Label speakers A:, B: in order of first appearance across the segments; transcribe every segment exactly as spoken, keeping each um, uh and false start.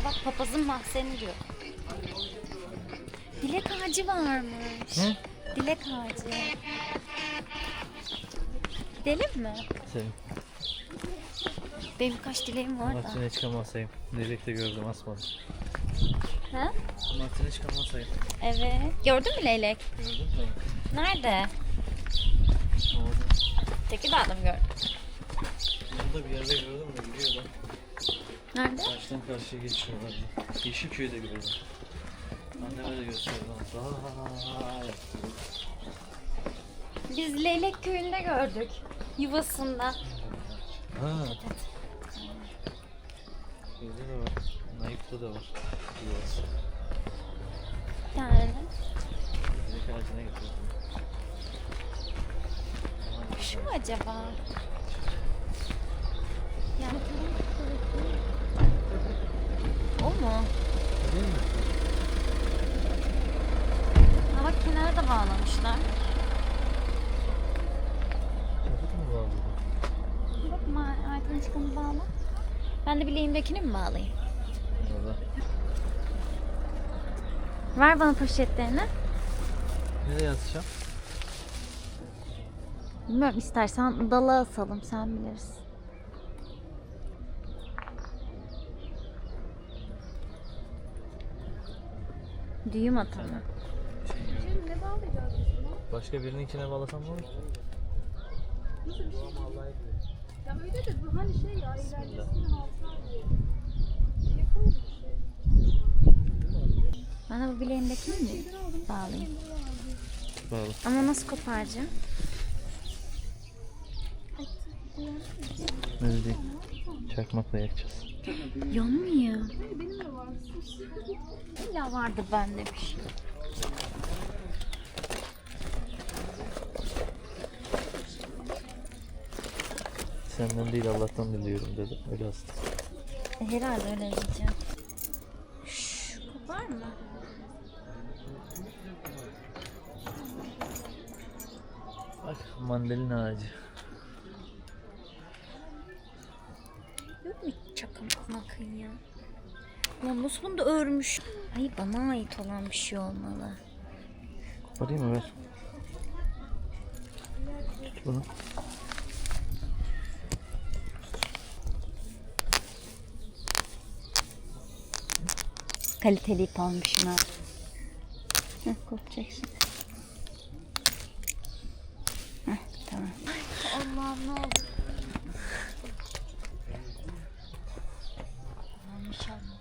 A: Aa bak papazın mahzeni diyor. Dilek ağacı varmış.
B: Hı?
A: Dilek ağacı. Gidelim mi?
B: Senin.
A: Benim kaç dileğim var da.
B: Martin'e çıkamasayım. Direkte gördüm, asmadım.
A: Ha?
B: Martin'e çıkamasayım.
A: Evet. Gördün mü leylek?
B: Gördün mü?
A: Nerede?
B: Orada.
A: Tekirdağ'da mı gördün?
B: Burada bir yerde gördüm de gidiyor da.
A: Nerede?
B: Karşıdan karşıya geçiyorlar. Yeşilköy'de gördüm. Anneme de gösterdim. Vay.
A: Biz Leylek Köyü'nde gördük. Yuvasında.
B: Ha. Şeyde de var. Naip'te de var. Yuvası.
A: Bir tane.
B: Direkt ağacına getirdim.
A: Şu mu acaba? Yani o mu?
B: Değil mi?
A: Ha bak kenara da bağlamışlar.
B: Çaput mu bağlı?
A: Bak Martin çıkanı bağla. Ben de bileğimdekini mi bağlayayım?
B: Orada.
A: Ver bana poşetlerini.
B: Nereye atacağım?
A: Bilmiyorum, istersen dala asalım, sen bilirsin. Düğüm atalım.
C: Şimdi ne bağlayacağız biz buna?
B: Başka birininkine bağlasam ne olur ki?
C: Nasıl bir şey? Ya öyle de bu hani şey ya ileridesinin altına diye. Yakın bir şey.
A: Ben de bu bileğimdekini mi bağlayayım?
B: Bağlı.
A: Ama nasıl koparacağım?
B: Öyle değil. Çakmakla yakacağız.
A: Yanmıyor.
C: Benim de var.
A: İlla vardı bende bir şey.
B: Senden değil Allah'tan biliyorum dedi. Öyle aslında.
A: E, herhalde öyle diyeceğim. Şşş, kopar mı?
B: Bak mandalina ağacı.
A: Yok mu çakmak makın ya? Lan nasıl bunu da örmüş? Ay bana ait olan bir şey olmalı.
B: Koparayım mı, ver. Tut bunu.
A: Kaliteli ip almışım ha. Heh, kopacak şimdi. Heh, tamam. Allah'ım ne oldu? Allah'ım inşallah.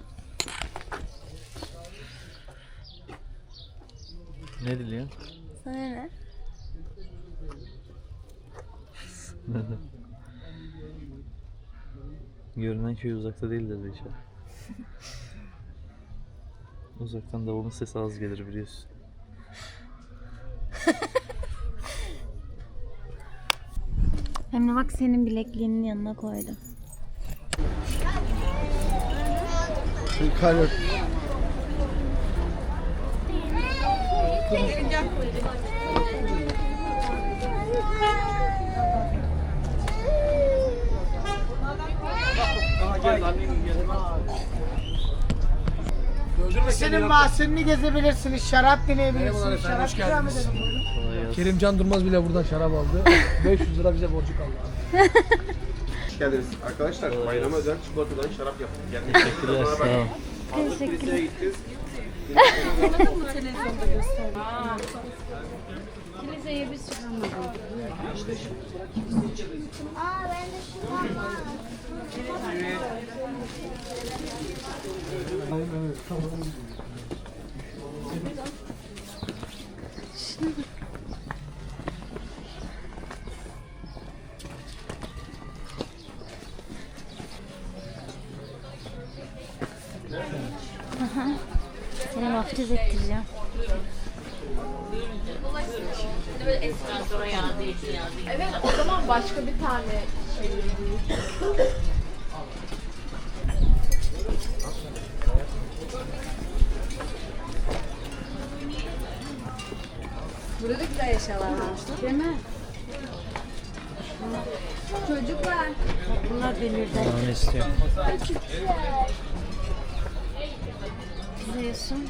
B: Ne diliyorsun?
A: Sana ne?
B: Görünen köy uzakta değildir inşallah. Uzaktan davulun sesi az gelir biliyorsun.
A: Hem de bak senin bilekliğinin yanına koydum.
D: Kaynak.
E: Senin mahzenini gezebilirsiniz, şarap deneyebilirsiniz. Şarap ikram edelim.
B: Kolay gelsin.
D: Kerimcan Durmaz bile buradan şarap aldı. beş yüz lira bize borcu kaldı.
F: Hoş geldiniz. Arkadaşlar bayrama özel çikolatadan şarap yaptık. Yani
B: Teşekkürler, sağ ol.
F: Teşekkürler. gideceğiz.
C: Aa ben de şu var.
A: Seni vaftiz ettireceğim.
C: Evet o zaman başka bir tane şey. Burada da güzel eşyalar var. Değil mi? Çocuklar.
A: Bunlar delirdi.
B: Daha ne istiyorsun?
A: izliyorsun?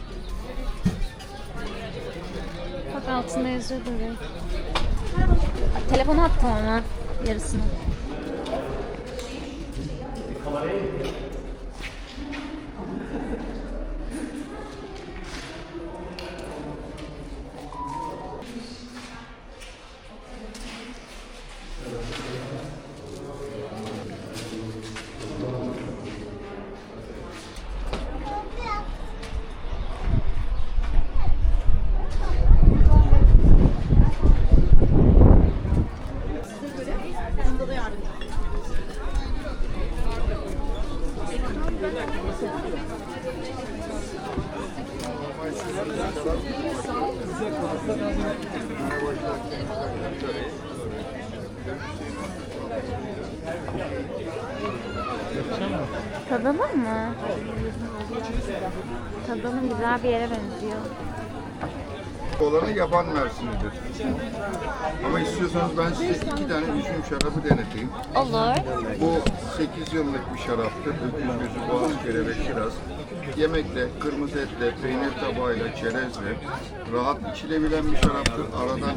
A: Bak altında yazıyor böyle. Telefonu attım ama yarısını. Tadalım mı? Tadalım, güzel bir yere benziyor.
G: Olanı yaban mersinidir. Ama istiyorsanız ben size iki tane üzüm şarabı deneteyim.
A: Olur.
G: Bu sekiz yıllık bir şaraptır. Öküz gözü, boğaz, kelebek, kiraz. Yemekle, kırmızı etle, peynir tabağıyla, çerezle rahat içilebilen bir şaraptır. Aradan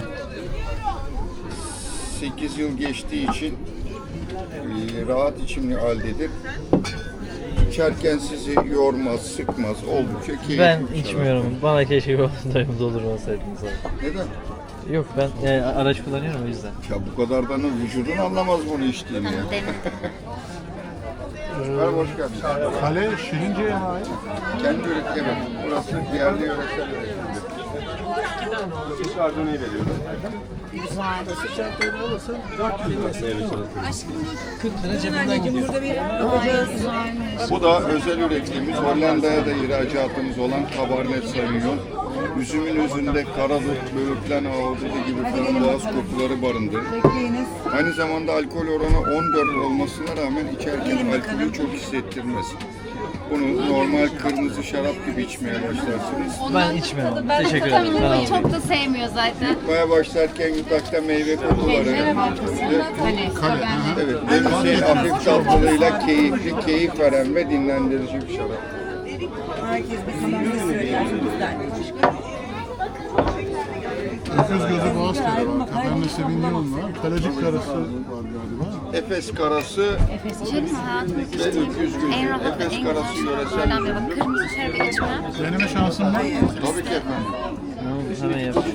G: sekiz yıl geçtiği için e, rahat içimli haldedir. İçerken sizi yormaz, sıkmaz, oldukça keyifli
B: Ben
G: bir şarap.
B: içmiyorum. Bana keşke bir doldurmasaydınız abi.
G: Neden?
B: Yok ben e, araç kullanıyorum o yüzden.
G: Ya bu kadardan vücudun anlamaz bunu içtiğini ya. Merhaba, hoş geldin.
D: Kale Şirince'ye ait.
G: Kendi üretim, evet. Burası yerli yöresel üretimdir.
F: Biz Arduino'yu veriyoruz.
G: Bu da özel üretimimiz, Hollanda'ya da ihracatımız olan Cabernet Sauvignon. Üzümün özünde karadut, böğürtlen, ahududu gibi frambuaz kokuları barındırır. Aynı zamanda alkol oranı on dört olmasına rağmen içerken alkolü çok hissettirmez. Bunu normal kırmızı şarap gibi içmeye başlarsınız.
B: Ben içmiyorum. Teşekkür ederim. Ben almayayım.
A: Çok da sevmiyor zaten.
G: Yutmaya başlarken yutakta meyve kokuları. Evet, Denizli'nin hafif tatlılığıyla keyifli, keyif veren ve dinlendirici bir şarap.
D: Öküz gözü boğaz tadı var. Kabernet Sauvignon var. Kalecik karası var galiba.
G: Efes karası
A: İçelim mi hayatım?
G: ve öküz gözü.
A: En rahat,
G: Efes
A: en
G: karası
A: güzel
G: yöresel
A: şaraplardan biri. Bak
G: üründür.
A: kırmızı şarabı içmem.
D: Deneme şansın var mı?
G: Tabii ki efendim.
B: Hemen yapışım.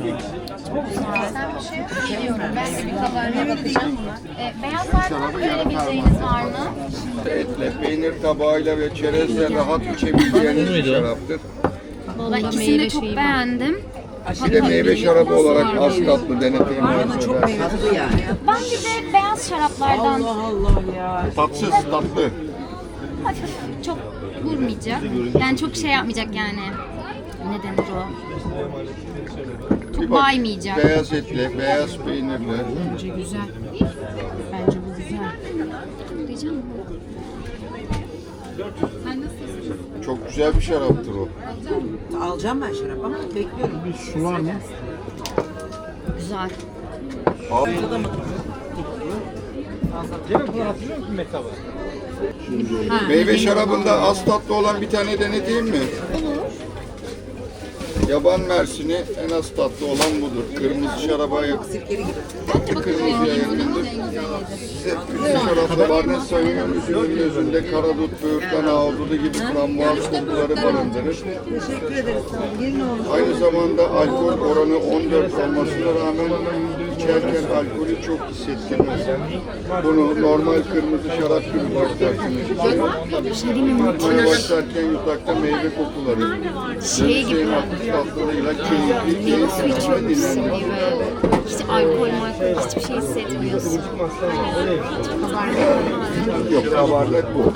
A: Ben bir kabarına bakacağım. E, beyazlardan verebileceğiniz var mı?
G: Etle, peynir tabağıyla ve çerezle rahat içebileceğiniz bir
B: Muydu o?
G: şaraptır.
A: Ben ikisini de çok beğendim.
G: Bir de meyve şarabı olarak az tatlı deneteyim arzu ederseniz.
A: Ben bir de beyaz şaraplardan
G: Tatsız, tatlı.
A: hafif çok vurmayacak. Yani çok şey yapmayacak yani. Ne denir o?
G: Bir
A: Çok
G: bak,
A: baymayacak.
G: beyaz etle, beyaz peynirle.
A: Güzel. Bence bu güzel. Diyeceğim mi? Sen nasılsın?
G: Çok güzel bir şaraptır o.
H: Alacağım ben şarap ama bekliyorum.
D: Bir su var mı?
A: Güzel.
G: Al. Meyve şarabında az tatlı olan bir tane deneteyim mi? Yaban mersini en az tatlı olan budur. Kırmızı şaraba yakın. Kırmızıya yakındır. Size üzüm şarapta Cabernet Sauvignon üzümün özünde karadut, böğürtlen, ahududu gibi frambuaz kokuları barındırır.
H: Teşekkür ederiz sana. Gelin oğlum.
G: Aynı zamanda alkol oranı on dört olmasına rağmen içerken alkolü çok hissettirmez. Bunu normal kırmızı şarap gibi başlarsınız. Yutmaya başlarken yutakta meyve kokuları.
A: Şey gibi.
G: Denizli'nin hafif tatlılığıyla keyifli,
A: Meyve suyu
G: keyifli ve
A: içiyormuşsun
G: dinlendirici.
A: gibi. Hiç alkol malkol hiçbir şey hissetmiyorsun.
G: Yok, kabardak bu.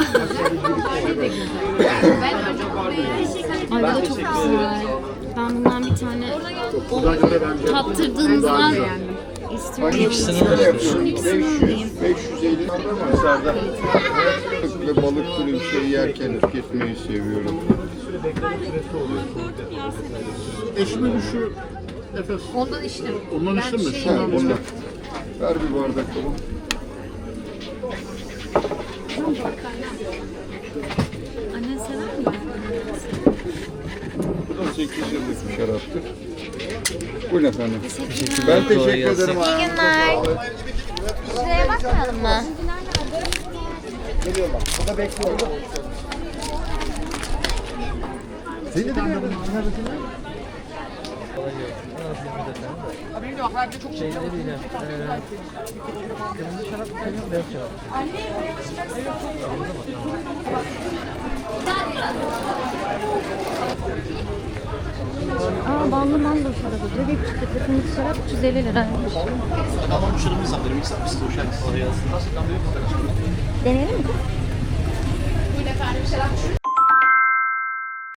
A: Ay bu da çok güzel. Ben bundan bir tane o tattırdığınızdan istiyorum.
G: Şöyle yapıyorum. beş yüz beş yüz elli miktarda ve balık türü bir şey yerken tüketmeyi seviyorum.
D: Eşime bir şu Efes.
A: Ondan içtim.
D: Ondan içtin mi?
G: Ha,
D: Şundan
G: bunda.
D: bize.
G: Ver bir bardak oğlum.
A: Annen sever mi?
G: sekiz yıllık bir şaraptır. Buyurun efendim.
A: Teşekkürler.
G: Ben
B: Kolay
G: teşekkür
B: gelsin.
G: ederim.
A: İyi günler. Şuraya bakmayalım mı?
B: Şey ne diyeceğim? Ee, kırmızı şarap mı seviyorsun, beyaz şarap mı?
A: Aa ballı manda şarabı. Bebek çıktı. Kırmızı şarap üç yüz elli liraymış.
F: Tamam şurumuz var. Benim ister misiniz? Hoş geldiniz.
B: Kolay gelsin.
A: Deneyelim mi?